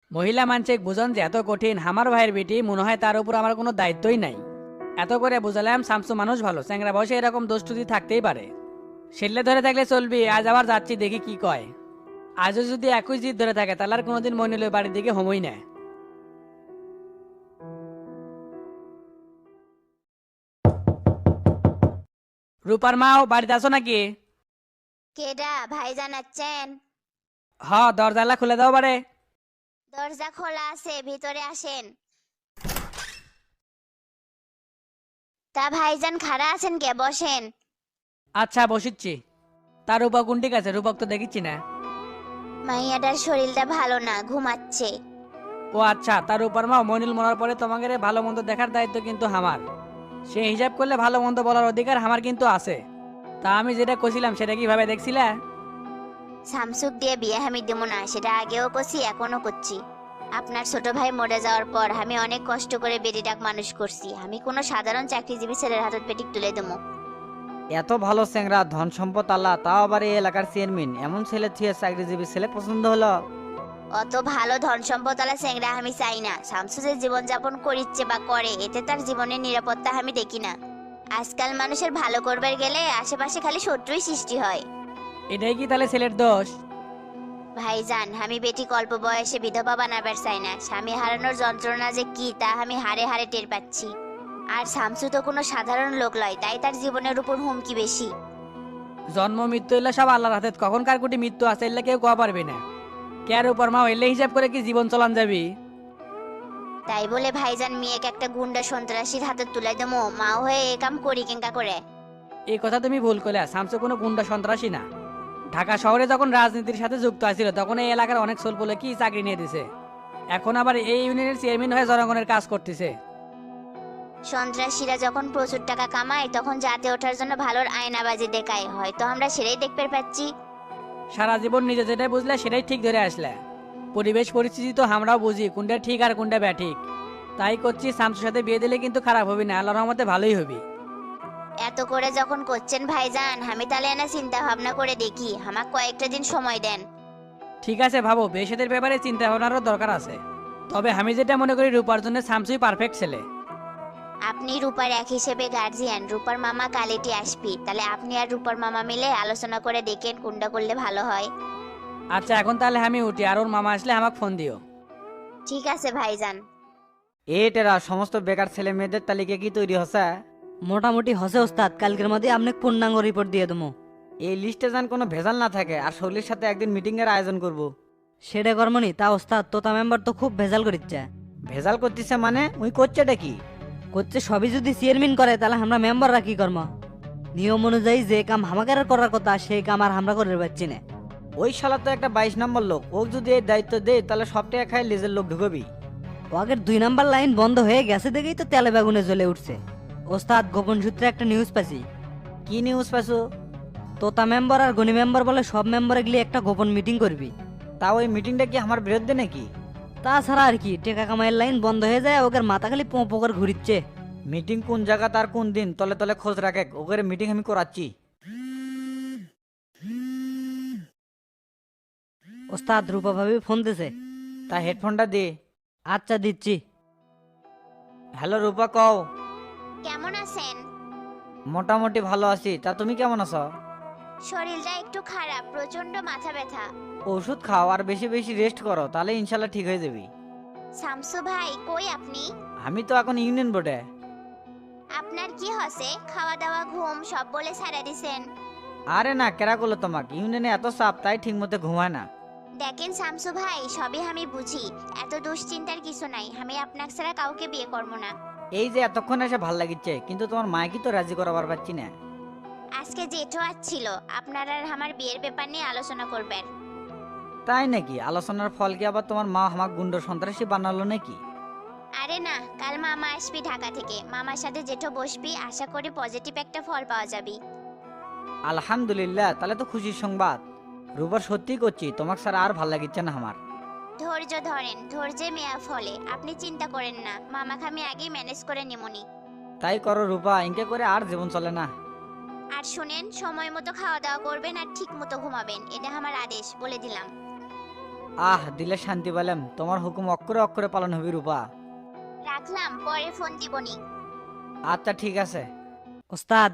মহিলা মানসিক বুঝন যে এত কঠিন আমার ভাইয়ের বেটি মনে হয় তার উপর আমার কোনো দায়িত্বই নাই। এত করে বুঝালাম শামসু মানুষ ভালো, চ্যাংরা বয়সে এরকম দোষটুতি থাকতেই পারে। সেলে ধরে থাকলে চলবি, আজ আবার যাচ্ছি দেখি কি কয়। আজও যদি একই জিদ ধরে থাকে তাহলে আর কোনোদিন মইনুলের বাড়ির দিকে হমই না। রূপার মাও বাড়িতে আছো নাকি? কেডা ভাই জানাচ্ছেন? হ, দরজালা খুলে দাও বারে। দরজা খোলা আছে, ভিতরে আসেন। তা ভাইজান খাড়া আছেন কে? বসেন। আচ্ছা বসিচ্ছি। তার রূপক কোন ঠিক আছে? রূপক তো দেখিচ্ছি না। মাইয়াটার শরীরটা ভালো না, ঘুমাচ্ছে। ও আচ্ছা, তার উপর মা মইনুল মরার পরে তোমাকে রে ভালো মন্দ দেখার দায়িত্ব কিন্তু আমার। সে হিসাব করলে ভালো মন্দ বলার অধিকার আমার কিন্তু আছে। তা আমি যেটা কছিলাম সেটা কিভাবে দেখছিলা? সামসুক দিয়ে বিয়ে আমি দেবো না, সেটা আগেও করছি, এখনো করছি। আপনার ছোট ভাই মরে যাওয়ার পর আমি অনেক কষ্ট করে বেটিটাক মানুষ করছি। আমি কোনো সাধারণ চাকরিজীবী ছেলের হাতত পেটিক তুলে দেবো? এত ভালো চ্যাংরা, ধন সম্পদ আল্লাহ, তাও আবার এই এলাকার চেয়ারম্যান, এমন ছেলে থুয়ে চাকরিজীবী ছেলে পছন্দ হলো? অত ভালো ধন সম্পদওয়ালা চেংড়া আমি চাই না। শামসু যে জীবনযাপন করিচ্ছে বা করে, এতে তার জীবনের নিরাপত্তা আমি দেখি না। আজকাল মানুষের ভালো করবার গেলে আশেপাশে খালি শত্রুই সৃষ্টি হয়। এটাই কি তাহলে ছেলের দোষ? ভাইজান, আমি বেটি অল্প বয়সে বিধবা বানাবার চাই না। স্বামী হারানোর যন্ত্রণা যে কি তা আমি হাড়ে হাড়ে টের পাচ্ছি। আর শামসু তো কোনো সাধারণ লোক নয়, তাই তার জীবনের উপর হুমকি বেশি। জন্ম মৃত্যু এলে সব আল্লাহর হাতে, কখন কার কোটি মৃত্যু আছে এলে কেউ কোয়া পারবে না। কেয়ার উপর মা এলে হিসাব করে কি জীবন চলান যাবি? তাই বলে ভাইজান মেয়েকে একটা গুন্ডা সন্ত্রাসীর হাতে তুলে দেবো? মা হয়ে এ কাম করি কেঙ্কা করে? এই কথা তুমি ভুল করলে। শামসু কোনো গুন্ডা সন্ত্রাসী না। ঢাকা শহরে যখন রাজনীতির সাথে যুক্ত আছিল তখন এই এলাকার অনেক ছোলপলে কি চাকরি নিয়ে দিছে। এখন আবার এই ইউনিয়নের চেয়ারম্যান হয়ে জনগণের কাজ করতেছে। সন্ত্রাসীরা যখন প্রচুর টাকা কামায় তখন জাতে ওঠার জন্য ভালোর আয়নাবাজি দেখায়, হয়তো আমরা সেটাই দেখতে পাচ্ছি। সারা জীবন নিজে যেটাই বুঝলে সেটাই ঠিক ধরে আসলে। পরিবেশ পরিস্থিতি তো আমরাও বুঝি কোনটা ঠিক আর কোনটা ব্যাঠিক। তাই করছি, শামসুর সাথে বিয়ে দিলে কিন্তু খারাপ হবে না, আল্লাহর রহমতে ভালোই হবে। এত করে যখন করছেন ভাইজান, আমি তাহলে না চিন্তা ভাবনা করে দেখি, আমাকে কয়েকটা দিন সময় দেন। ঠিক আছে ভাবো, বেশেদের ব্যাপারে চিন্তা ভাবনারও দরকার আছে। তবে আমি যেটা মনে করি রূপার জন্য শামসুই পারফেক্ট ছেলে। আপনি রূপার এক হিসেবে গার্জিয়ান, রূপার মামা কালেটি আসবি, তাহলে আপনি আর রূপার মামা মিলে আলোচনা করে দেখেন কোনটা করলে ভালো হয়। আচ্ছা এখন তাহলে আমি উঠি, আর ওর মামা আসলে আমাকে ফোন দিও। ঠিক আছে ভাইজান। এটেরা সমস্ত বেকার ছেলে মেয়েদের তালিকা কি তৈরি হচ্ছে? মোটামুটি হসে ওস্তাদ, কালকের মধ্যে আপনি পূর্ণাঙ্গ রিপোর্ট দিয়ে দেবো। এই লিস্টে যেন কোনো ভেজাল না থাকে, আর শৈলীর সাথে একদিন মিটিং এর আয়োজন করব। সেটা কর্মনি তা ওস্তাদ, তোতা মেম্বার তো খুব ভেজাল করিচ্ছে। ভেজাল করতেছে মানে উই করছেটা কি? করছে সবই যদি চেয়ারম্যান করে তাহলে আমরা মেম্বাররা কি কর্ম? নিয়ম অনুযায়ী যে কাম আমাকে আর করার কথা সেই কাম আর আমরা করে পাচ্ছি না। ওই শালা তো একটা 22 নম্বর লোক, ও যদি এই দায়িত্ব দেয় তাহলে সবটাই খায় লেজের লোক ঢুকবি। ও আগের 2 নাম্বার লাইন বন্ধ হয়ে গেছে দেখেই তো তেলে বেগুনে জ্বলে উঠছে। ওস্তাদ, গোপন সূত্রে একটা নিউজ পাচ্ছি। কি নিউজ পাইছো? তোতা মেম্বার আর গনি মেম্বার বলে সব মেম্বারে গিয়ে একটা গোপন মিটিং করবি। তা ওই মিটিংটা কি আমার বিরুদ্ধে নাকি? তাছাড়া আর কি, টেকা কামাইয়ের লাইন বন্ধ হয়ে যায়, ওকে মাথা খালি পোঁ করে ঘুরিচ্ছে। মিটিং কোন জায়গা তার কোন দিন তলে তলে খোঁজ রাখে, ওকে মিটিং আমি করাচ্ছি। ওস্তাদ, রূপা ভাবি ফোন দিছে। তা হেডফোনটা দে। আচ্ছা দিচ্ছি। হ্যালো রূপা, কও। কেমন আছেন? মোটামুটি ভালো আছি, তা তুমি কেমন আছো? শরীরটা একটু খারাপ, প্রচন্ড মাথা ব্যথা। ওষুধ খাও আর বেশি বেশি রেস্ট করো, তাহলে ইনশাল্লাহ ঠিক হয়ে যাবি। শামসু ভাই কই আপনি? আমি তো এখন ইউনিয়ন বোর্ডে। আপনার কি হসে? খাওয়া দাওয়া ঘুম সব বলে ছাড়া দিছেন। আরে না, কেরা করলো তোমাকে? ইউনিয়নে এত চাপ, তাই ঠিক মতো ঘুমায় না। দেখেন শামসু ভাই, সবই আমি বুঝি, এত দুশ্চিন্তার কিছু নাই। আমি আপনার ছাড়া কাউকে বিয়ে করবো না। এই যে এতক্ষণ এসে ভাল লাগিচ্ছে, কিন্তু তোমার মাকে তো রাজি করাবার পারছি না। আজকে জেঠো আসছিল, আপনার আর আমার বিয়ের ব্যাপার নিয়ে আলোচনা করবেন। তাই নাকি? আলোচনার ফল কি আবার তোমার মা আমাকে গুন্ড সন্ত্রাসী বানালো নাকি? আরে না, কাল মামা আসবি ঢাকা থেকে, মামার সাথে জেঠো বসবি, আশা করি পজিটিভ একটা ফল পাওয়া যাবে। আলহামদুলিল্লাহ, তাহলে তো খুশির সংবাদ। রূপার সত্যি করছি, তোমাকে স্যার আর ভাল লাগিচ্ছে না আমার। ধৈর্য ধরেন, ধৈর্যে মেয়া ফলে, আপনি চিন্তা করেন না, মামাকে আমি আগেই ম্যানেজ করে নিমুনি। তাই করো রূপা, ইনকে করে আর জীবন চলে না। আর শুনেন, সময় মতো খাওয়া দাওয়া করবেন আর ঠিক মতো ঘুমাবেন, এটা আমার আদেশ, বলে দিলাম। দিলে শান্তি পেলাম, তোমার হুকুম অক্ষরে অক্ষরে পালন হবে রূপা। রাখলাম, পরে ফোন দিবনি। আচ্ছা ঠিক আছে। ওস্তাদ।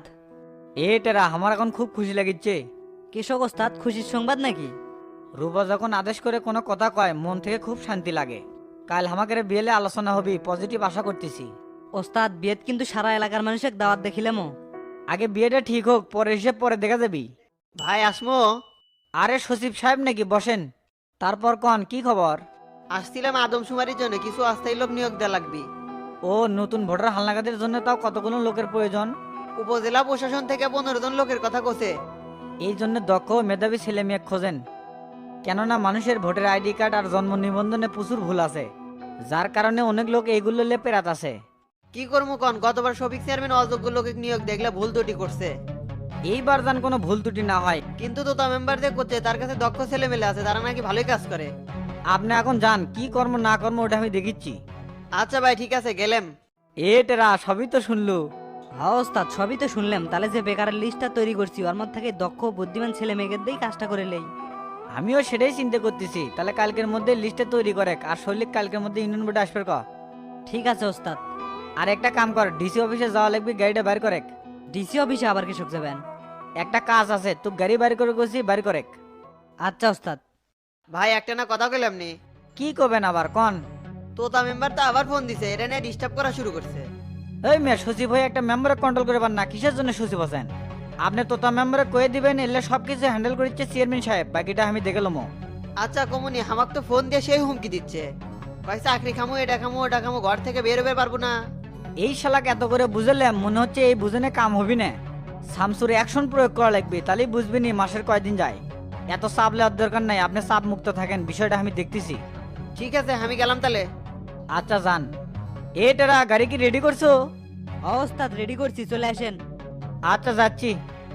টেরা আমার এখন খুব খুশি লাগিচ্ছে। কৃষক ওস্তাদ, খুশির সংবাদ নাকি? রূপা যখন আদেশ করে কোনো কথা কয় মন থেকে খুব শান্তি লাগে। কাল আমাকে বিয়েলে আলোচনা হবি, পজিটিভ আশা করতেছি। ওস্তাদ, বিয়েত কিন্তু সারা এলাকার মানুষের দাওয়াত দেখিলামও। আগে বিয়েটা ঠিক হোক, পরে হিসেব পরে দেখা যাবি। ভাই আসমো? আরে সচিব সাহেব নাকি, বসেন। তারপর কন কি খবর? আসছিলাম আদমশুমারির জন্য, কিছু অস্থায়ী লোক নিয়োগ দেওয়া লাগবে। ও নতুন ভোটার হালনাগাদের জন্য তাও কতগুলো লোকের প্রয়োজন? উপজেলা প্রশাসন থেকে 15 জন লোকের কথা কোসে। এই জন্য দক্ষ ও মেধাবী ছেলে মেয়ে খোঁজেন। কেননা মানুষের ভোটার আইডি কার্ড আর জন্ম নিবন্ধনে প্রচুর ভুল আছে, যার কারণে অনেক লোক এইগুলো পেরাত আছে। কি করবো কন, গতবার শফিক চেয়ারম্যান অযোগ্য লোকে নিয়োগ দেখলে ভুল ত্রুটি করছে। এইবার যেন কোনো ভুল ত্রুটি না হয়। কিন্তু তোতা মেম্বার যে করছে তার কাছে দক্ষ ছেলে মেলে আছে, তারা নাকি ভালোই কাজ করে। আপনি এখন যান, কি কর্ম না কর্ম ওটা আমি দেখিচ্ছি। আচ্ছা ভাই ঠিক আছে, গেলাম। টেরা সবই তো শুনলু। হ্যাঁ ওস্তাদ, সবই তো শুনলাম। তাহলে যে বেকারের লিস্টটা তৈরি করছি ওর মধ্যে থেকে দক্ষ বুদ্ধিমান ছেলে মেয়েদের দিয়েই কাজটা করে লেই। আমিও সেটাই চিন্তা করতেছি। তাহলে কালকের মধ্যে লিস্টে তৈরি করে, আর শৈলিক কালকের মধ্যে ইউনিয়ন বোর্ডে আসবে ক। ঠিক আছে ওস্তাদ। আর একটা কাম কর, ডিসি অফিসে যাওয়া লাগবে, গাড়িটা বাইর করে। ডিসি অফিসে আবার কৃষক যাবেন? একটা কাজ আছে, তুই গাড়ি বাইর করে গেছি, বাইর করে। আচ্ছা ওস্তাদ। ভাই একটা না কথা কইলাম নি, কি করবেন আবার কন? তোতা মেম্বার তো আবার ফোন দিছে, এটা নিয়ে ডিস্টার্ব করা শুরু করছে। এই মেয়ে, সচিব হয়ে একটা মেম্বারে কন্ট্রোল করে পার না, কিসের জন্য সচিব আছেন? আপনি তোতা মেম্বারে কয়ে দিবেন, এলে সবকিছু হ্যান্ডেল করছে চেয়ারম্যান সাহেব, বাকিটা আমি দেখলাম। আচ্ছা কমুনি, আমাকে তো ফোন দিয়ে সেই হুমকি দিচ্ছে, ভাই চাকরি খামো, এটা খামো, ওটা খামো, ঘর থেকে বের হতে পারবো না। এই শালাকে এত করে বুঝালাম, মনে হচ্ছে এই বুঝনে কাম হবি না। শামসুর অ্যাকশন প্রয়োগ করা লাগবে, তাহলেই বুঝবি নি মাসের কয়দিন যায়। এত চাপ লেওয়ার দরকার নাই, আপনি চাপ মুক্ত থাকেন, বিষয়টা আমি দেখতেছি। ঠিক আছে আমি গেলাম তাহলে। আচ্ছা যান। টেরা গাড়ি কি রেডি করছো? হ্যাঁ ওস্তাদ, রেডি করছি, চলে আসেন। আচ্ছা যাচ্ছি।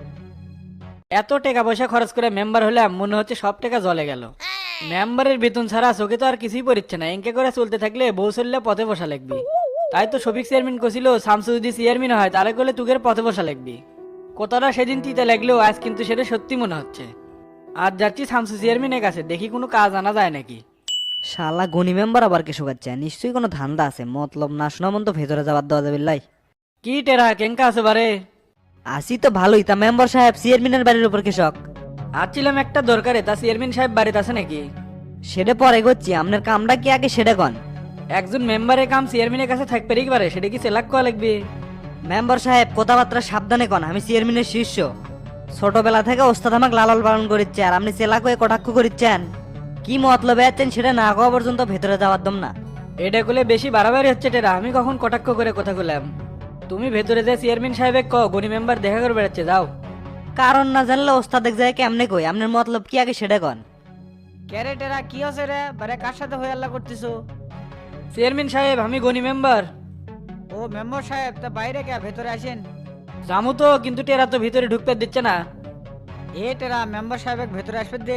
এত টাকা পয়সা খরচ করে মেম্বার হলাম, মনে হচ্ছে সব টাকা জলে গেল। মেম্বারের বেতন ছাড়া চোখে তো আর কিছুই পড়ছে না। এঁকে করে চলতে থাকলে বউ চললে পথে বসা লাগবি। তাই তো শফিক চেয়ারম্যান কছিল, শামসু যদি চেয়ারম্যান হয় তাহলে করলে তুগের পথে বসা লাগবি। কতটা সেদিন তিতে লাগলেও আজ কিন্তু সেটা সত্যি মনে হচ্ছে। আজ যাচ্ছি শামসু চেয়ারম্যানের কাছে, দেখি কোনো কাজ আনা যায় নাকি। শালা গনি মেম্বার আবার কৃষক আছে, নিশ্চয়ই কোনো ধান্দা আছে। মতলব না শোনা মন তো ভেতরে যাবার দেওয়া যাবে লাই। কি টেরা কেঙ্কা আছে বারে? আসি তো ভালোই। তা মেম্বার সাহেব, চেয়ারম্যানের বাড়ির উপর কৃষক। আসছিলাম একটা দরকারে, তা চেয়ারম্যান সাহেব বাড়িতে আছে নাকি? সেটা পরে করছি, আপনার কামটা কি আগে সেটা কন। একজন মেম্বারের কাম চেয়ারম্যানের কাছে থাকবে কি পারে, সেটা কি সেলাক করা লাগবে? মেম্বার সাহেব কথাবার্তা সাবধানে কন, আমি চেয়ারম্যানের শিষ্য। ছোটবেলা থেকে ওস্তাদ আমাকে লালন পালন করিচ্ছে, আর আপনি চেলা কয়ে কটাক্ষ করিচ্ছেন। কি মতলবে আছেন সেটা না কোয়া পর্যন্ত ভেতরে যাওয়ার দম না। এটা করলে বেশি বাড়াবাড়ি হচ্ছে টেরা। আমি কখন কটাক্ষ করে কথা বললাম? তুমি ভেতরে যে চেয়ারম্যান সাহেবের গনি মেম্বার দেখা করে বেড়াচ্ছে, যাও। কারণ না জানলে ওস্তাদ এক জায়গায় কেমনে কই, আপনার মতলব কি আগে সেটা কন। ক্যারে টেরা কি আছে রে, বারে কার সাথে হয়ে আল্লাহ করতেছো? চেয়ারম্যান সাহেব, আমি গনি মেম্বার। ও মেম্বার সাহেব, তা বাইরে কে, ভেতরে আসেন। জামু তো, কিন্তু টেরা তো ভিতরে ঢুকতে দিচ্ছে না। টেরা মেম্বার সাহেব ভেতরে আসবে দে।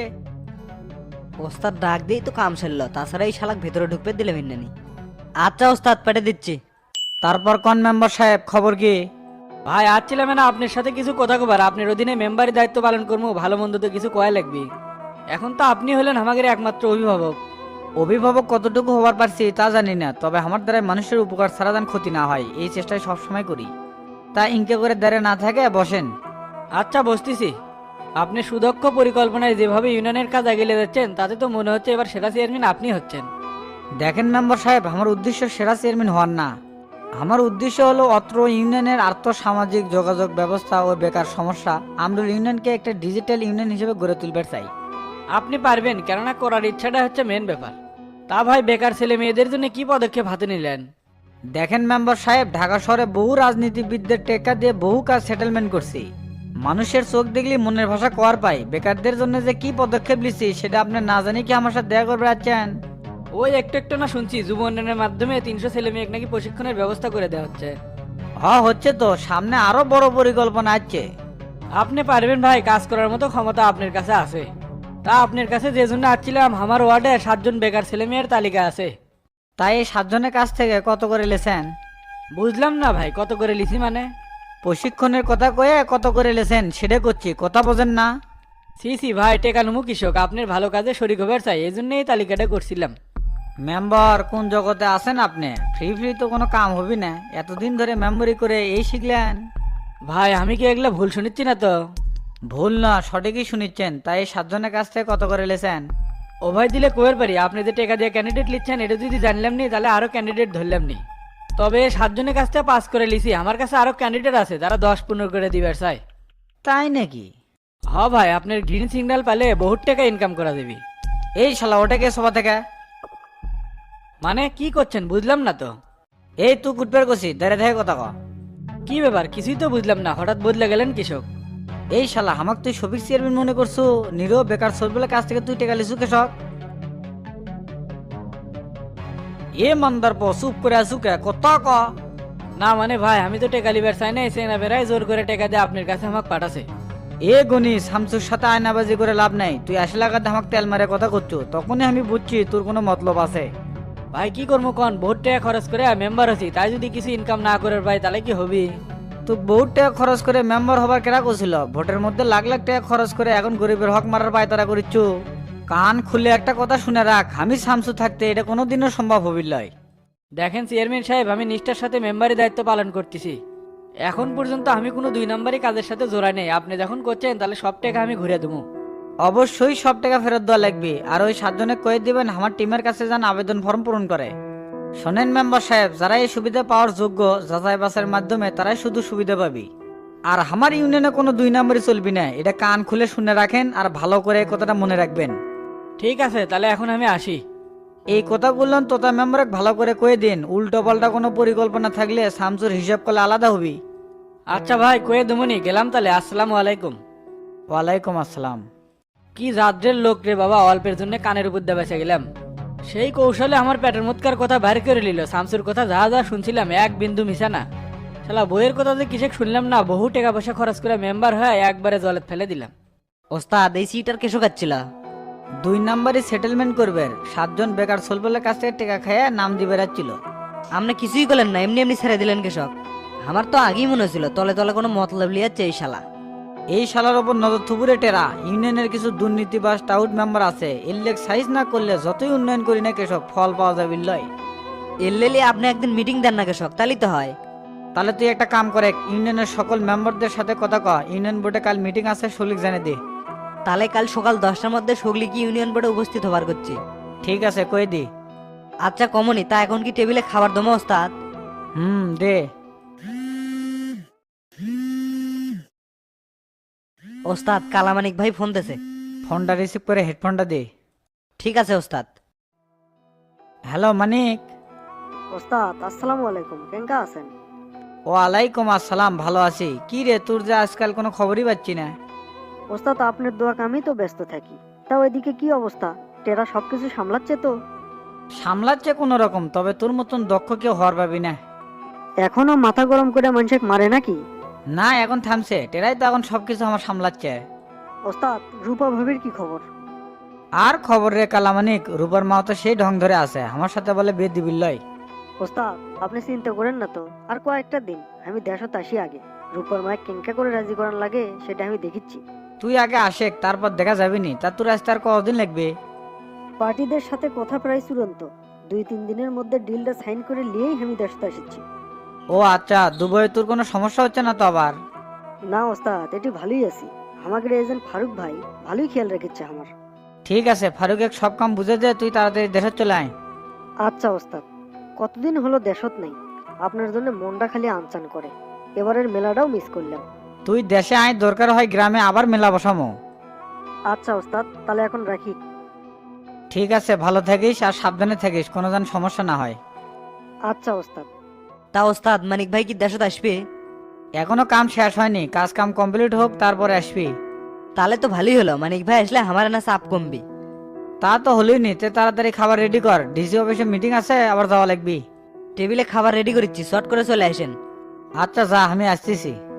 ওস্তাদ ডাক দিয়েই তো কাম সারলো, তাছাড়া এই শালাক ভেতরে ঢুকতে দিলে ভিন্নানি। আচ্ছা ওস্তাদ, পেটে দিচ্ছি। তারপর কোন মেম্বার সাহেব, খবর কি? ভাই আসছিলাম না আপনার সাথে কিছু কথা কবার। আপনার অধীনে মেম্বারের দায়িত্ব পালন করবো, ভালো মন্দ তো কিছু কয়া লাগবে। এখন তো আপনি হলেন আমাদের একমাত্র অভিভাবক। অভিভাবক কতটুকু হবার পারছি তা জানি না, তবে আমার দ্বারা মানুষের উপকার ছাড়া যেন ক্ষতি না হয় এই চেষ্টাই সবসময় করি। তা ইনকে করে দাঁড়ে না থাকে, বসেন। আচ্ছা বসতেছি। আপনি সুদক্ষ পরিকল্পনায় যেভাবে ইউনিয়নের কাজ এগিয়ে যাচ্ছেন, তাতে তো মনে হচ্ছে এবার সেরা চেয়ারম্যান আপনি হচ্ছেন। দেখেন মেম্বার সাহেব, আমার উদ্দেশ্য সেরা চেয়ারম্যান হওয়ার না। আমার উদ্দেশ্য হলো অত্র ইউনিয়নের আর্থ সামাজিক যোগাযোগ ব্যবস্থা ও বেকার সমস্যা আমরুল ইউনিয়নকে একটা ডিজিটাল ইউনিয়ন হিসেবে গড়ে তুলবার চাই। আপনি পারবেন, কেননা করার ইচ্ছাটা হচ্ছে মেন ব্যাপার। তা ভাই, বেকার ছেলে মেয়েদের জন্য কি পদক্ষেপ হাতে নিলেন? দেখেন মেম্বার সাহেব, ঢাকা শহরে বহু রাজনীতিবিদদের টেক্কা দিয়ে বহু কাজ সেটেলমেন্ট করছি। মানুষের চোখ দেখলে মনের ভাষা কর পাই। বেকারদের জন্য যে কি পদক্ষেপ নিচ্ছি সেটা আপনি না জানি কি আমার সাথে দেখা করবে আছেন? ওই একটু একটু না শুনছি, যুব উন্নয়নের মাধ্যমে 300 ছেলে মেয়ে নাকি প্রশিক্ষণের ব্যবস্থা করে দেওয়া হচ্ছে। হচ্ছে তো, সামনে আরো বড় পরিকল্পনা আছে। আপনি পারবেন ভাই, কাজ করার মতো ক্ষমতা আপনার কাছে আছে। তা আপনার কাছে যে জন্য আসছিলাম, আমার ওয়ার্ডে 7 জন বেকার ছেলে মেয়ের তালিকা আছে। তাই এই 7 জনের কাছ থেকে কত করে লেছেন? বুঝলাম না ভাই, কত করে লিখি মানে? প্রশিক্ষণের কথা কয়ে কত করে লেছেন সেটা করছি, কথা বোঝেন না? সি সি ভাই টেকানুমু কৃষক আপনার ভালো কাজে শরিক হবার চাই এই জন্যই এই তালিকাটা করছিলাম। মেম্বার কোন জগতে আছেন আপনি? ফ্রি ফ্রি তো কোনো কাম হবি না, এতদিন ধরে মেম্বরি করে এই শিখলেন। ভাই আমি কি এগুলা ভুল শুনিচ্ছি না তো? ভুল না, সঠিকই শুনিচ্ছেন। তাই এই 7 জনের কাছ থেকে কত করে লেছেন? ও ভাই দিলে কোয়ের পারি, আপনি যে টাকা দিয়ে ক্যান্ডিডেট লিখছেন এটা যদি জানলাম নি তাহলে আরো ক্যান্ডিডেট ধরলাম নি। তবে 7 জনের কাছ থেকে 5 করে লিছি, আমার কাছে আরো ক্যান্ডিডেট আছে যারা 10-15 করে দিবার চাই। তাই নাকি? হ ভাই আপনার গ্রিন সিগন্যাল পেলে বহুত টাকা ইনকাম করা দেবি। এই শালা ওটাকে সভা থেকে। মানে কি করছেন বুঝলাম না তো। এই তুই কুটপের কষি দাঁড়িয়ে থেকে কথা ক। কি ব্যাপার কিছুই তো বুঝলাম না, হঠাৎ বদলে গেলেন কৃষক। এই শালা আমাকে তুই সবিক চেয়ারম্যান মনে করছো? নিরো বেকার সরবেলা কাছ থেকে তুই টেকা লিছু কেশক? এ মান্দার পো চুপ করে আছু কে, কথা ক। না মানে ভাই আমি তো টাকা লিবার চাই না, এসে না বেড়াই জোর করে টাকা দিয়ে আপনার কাছে আমাকে পাঠাছে। এ গনি শামসুর সাথে আয়নাবাজি করে লাভ নাই। তুই 80 লাখ আমাকে তেল মারে কথা করছো, তখনই আমি বুঝছি তোর কোনো মতলব আছে। ভাই কি করবো কন, বহুত টাকা খরচ করে মেম্বার আছি, তাই যদি কিছু ইনকাম না করে ভাই তাহলে কি হবি? তুই বহুত টাকা খরচ করে মেম্বার হবার কেরা করছিল? ভোটের মধ্যে লাখ লাখ টাকা খরচ করে এখন গরিবের হক মারার পায়তারা করিচ্ছ। কান খুলে একটা কথা শুনে রাখ, আমি শামসু থাকতে এটা কোনোদিনও সম্ভব হবির লয়। দেখেন চেয়ারম্যান সাহেব আমি নিষ্ঠার সাথে মেম্বারি দায়িত্ব পালন করতেছি। এখন পর্যন্ত আমি কোনো 2 নম্বরই কাজের সাথে জোড়াই নেই। আপনি যখন করছেন তাহলে সব টাকা আমি ঘুরে দেবো। অবশ্যই সব টাকা ফেরত দেওয়া লাগবে। আর ওই 7 জনে কয়ে দিবেন আমার টিমের কাছে যান আবেদন ফর্ম পূরণ করে। শোনেন মেম্বার সাহেব, যারা এই সুবিধা পাওয়ার যোগ্য যাচাই বাছাইয়ের মাধ্যমে তারাই শুধু সুবিধা পাবি। আর আমার ইউনিয়নে কোনো 2 নম্বরই চলবি না, এটা কান খুলে শুনে রাখেন আর ভালো করে এই কথাটা মনে রাখবেন। ঠিক আছে তাহলে এখন আমি আসি। এই কথাগুলো তোতা মেম্বারকে ভালো করে কয়ে দিন। উল্টো পাল্টা কোনো পরিকল্পনা থাকলে শামসুর হিসাব করলে আলাদা হবি। আচ্ছা ভাই কয়ে দেবনি, গেলাম তাহলে। আসসালামু আলাইকুম। ওয়ালাইকুম আসসালাম। কি রাজ্যের লোক রে বাবা, অল্পের জন্য কানের উপর দিয়ে বেঁচে গেলাম। সেই কৌশলে আমার পেটের মতকার কথা বাইর করে নিল। শামসুর কথা যা যা শুনছিলাম এক বিন্দু মিশা না। শালা বইয়ের কথা যে কিসে শুনলাম না, বহু টাকা পয়সা খরচ করে মেম্বার হয়ে একবারে জলে ফেলে দিলাম। ওস্তাদ এই সিটার কেসো কাচ্ছিল? 2 নম্বরই সেটেলমেন্ট করবে। 7 জন বেকার সোলবেলের কাছ থেকে টাকা খাইয়া নাম দিয়ে বেড়াচ্ছিল। আপনি কিছুই করলেন না, এমনি এমনি ছেড়ে দিলেন কেশক? আমার তো আগেই মনে হয়েছিল তলে তলে কোনো মতলব লিয়াচ্ছে এই শালা। এই শালার ওপর নজর থুবুরে টেরা। ইউনিয়নের কিছু দুর্নীতিবাজ টাউট মেম্বার আছে, এর সাইজ না করলে যতই উন্নয়ন করি না কেসব ফল পাওয়া যাবে লয়। এললেলি আপনি একদিন মিটিং দেন না কেশক, তাহলেই তো হয়। তাহলে তুই একটা কাম করে ইউনিয়নের সকল মেম্বারদের সাথে কথা ক, ইউনিয়ন বোর্ডে কাল মিটিং আছে, সলিক জানে দে। তাহলে কাল সকাল 10টার মধ্যে সগলি কি ইউনিয়ন বোর্ডে উপস্থিত হবার করছি। ঠিক আছে কই দি। আচ্ছা কমনি, তা এখন কি টেবিলে খাবার দমো ওস্তাদ? দে। ওস্তাদ কালামানিক ভাই ফোন দিছে। ফোনটা রিসিভ করে হেডফোনটা দে। ঠিক আছে ওস্তাদ। হ্যালো মানিক। ওস্তাদ আসসালামু আলাইকুম, কেঙ্কা আছেন? ওয়ালাইকুম আসসালাম, ভালো আছি। কি রে তোর যে আজকাল কোনো খবরই পাচ্ছি না। ওস্তাদ আপনার দোয়া আমি তো ব্যস্ত থাকি। তা ওইদিকে কি অবস্থা? টেরা সবকিছু সামলাচ্ছে তো? সামলাচ্ছে কোনো রকম, তবে তোর মতন দক্ষ কেউ হওয়ার পাবি না। এখনো মাথা গরম করে মানুষকে মারে নাকি? না এখন থামছে, টেরাই তো এখন সবকিছু আমার সামলাচ্ছে। ওস্তাদ রূপা ভাবির কি খবর? আর খবর রে কালামানিক, রূপার মা তো সেই ঢং ধরে আছে, আমার সাথে বলে বিয়ে দিবি লয়। ওস্তাদ আপনি চিন্তা করেন না তো, আর কয়েকটা দিন আমি দেশত আসি আগে। রূপার মায়ের কেঙ্কা করে রাজি করান লাগে সেটা আমি দেখিচ্ছি। তুই আগে আসে, তারপর দেখা যাবি নি। তা তোর আসতে আর কতদিন লাগবে? পার্টিদের সাথে কথা প্রায় চূড়ান্ত। 2-3 দিনের মধ্যে ডিলটা সাইন করে নিয়েই আমি দেশত আসছি। ও আচ্ছা, দুবাইয়ে তোর কোনো সমস্যা হচ্ছে না তো আবার? না ওস্তাদ এটি ভালোই আছি। আমাদের এজেন্ট ফারুক ভাই ভালোই খেয়াল রেখেছে আমার। ঠিক আছে, ফারুকে সব কাম বুঝে দে, তুই তাড়াতাড়ি দেশে চলে আয়। আচ্ছা ওস্তাদ, কতদিন হলো দেশত নেই, আপনার জন্য মনটা খালি আনচান করে। এবারের মেলাটাও মিস করলাম। তুই দেশে আয়, দরকার হয় গ্রামে আবার মেলা বসামো। আচ্ছা ওস্তাদ তাহলে এখন রাখি। ঠিক আছে, ভালো থাকিস আর সাবধানে থাকিস, কোনো যেন সমস্যা না হয়। আচ্ছা ওস্তাদ। তা ওস্তাদ মানিক ভাই কি দেশত আসবে? এখনো কাম শেষ হয়নি, কাজ কাম কমপ্লিট হোক তারপরে আসবি। তাহলে তো ভালোই হলো, মানিক ভাই আসলে আমার না চাপ কমবি। তা তো হলোই নি, তে তাড়াতাড়ি খাবার রেডি কর, ডিসি অফিসে মিটিং আছে, আবার যাওয়া লাগবি। টেবিলে খাবার রেডি করেছি, শর্ট করে চলে আসেন। আচ্ছা যা, আমি আসতেছি।